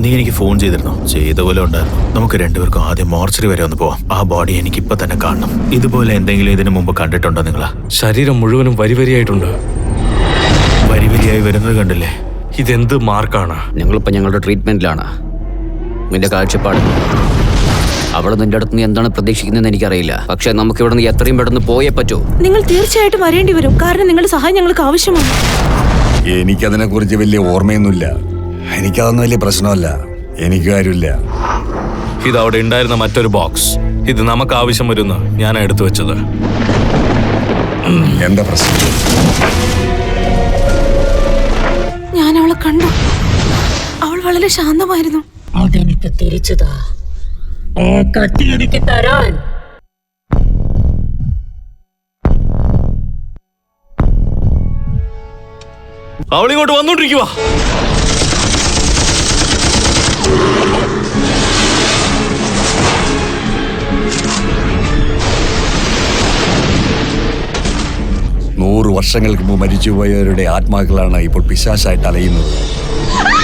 നീ എനിക്ക് ഫോൺ ചെയ്തിരുന്നോ? ചെയ്ത പോലെ ഉണ്ടായിരുന്നു. നമുക്ക് രണ്ടുപേർക്കും ആദ്യം മോർച്ചറി വരെ ഒന്ന് പോവാം. ആ ബോഡി എനിക്ക് ഇപ്പൊ തന്നെ കാണണം. ഇതുപോലെ എന്തെങ്കിലും ഇതിനു മുമ്പ് കണ്ടിട്ടുണ്ടോ നിങ്ങളാ? ശരീരം മുഴുവനും വരിവരിയായിട്ടുണ്ട്. വരിവരിയായി വരുന്നത് കണ്ടില്ലേ? ഇതെന്ത് മാർക്കാണ്? ഞങ്ങളിപ്പോൾ ഞങ്ങളുടെ ട്രീറ്റ്മെന്റിലാണ്. നിന്റെ കാഴ്ചപ്പാട് അവിടെ നിന്റെ അടുത്ത് നീ എന്താണ് പ്രതീക്ഷിക്കുന്നതെന്ന് എനിക്കറിയില്ല. പക്ഷെ നമുക്ക് ഇവിടെ നിന്ന് എത്രയും പെട്ടെന്ന് പോയേ പറ്റൂ. നിങ്ങൾ തീർച്ചയായിട്ടും വരേണ്ടി വരും. കാരണം നിങ്ങളുടെ സഹായം ഞങ്ങൾക്ക് ആവശ്യമാണ്. എനിക്കതിനെ കുറിച്ച് വലിയ ഓർമ്മയൊന്നുമില്ല. എനിക്കതൊന്നും വലിയ പ്രശ്നമല്ല. എനിക്ക് കാര്യമില്ല. ഇത് അവിടെ ഉണ്ടായിരുന്ന മറ്റൊരു ബോക്സ്. ഇത് നമുക്ക് ആവശ്യം വരുന്നു. ഞാൻ എടുത്തു വെച്ചത്. എന്താ പ്രശ്നം? ഞാൻ അവളെ കണ്ടു. അവൾ വളരെ ശാന്തമായിരുന്നു. അതെനിക്ക് തിരിച്ചതാ. കത്തി എനിക്ക് തരാൻ. അവളിങ്ങോട്ട് വന്നോണ്ടിരിക്കുവാ. വർഷങ്ങൾക്ക് മുമ്പ് മരിച്ചുപോയവരുടെ ആത്മാക്കളാണ് ഇപ്പോൾ പിശാചായിട്ട് അലയുന്നത്.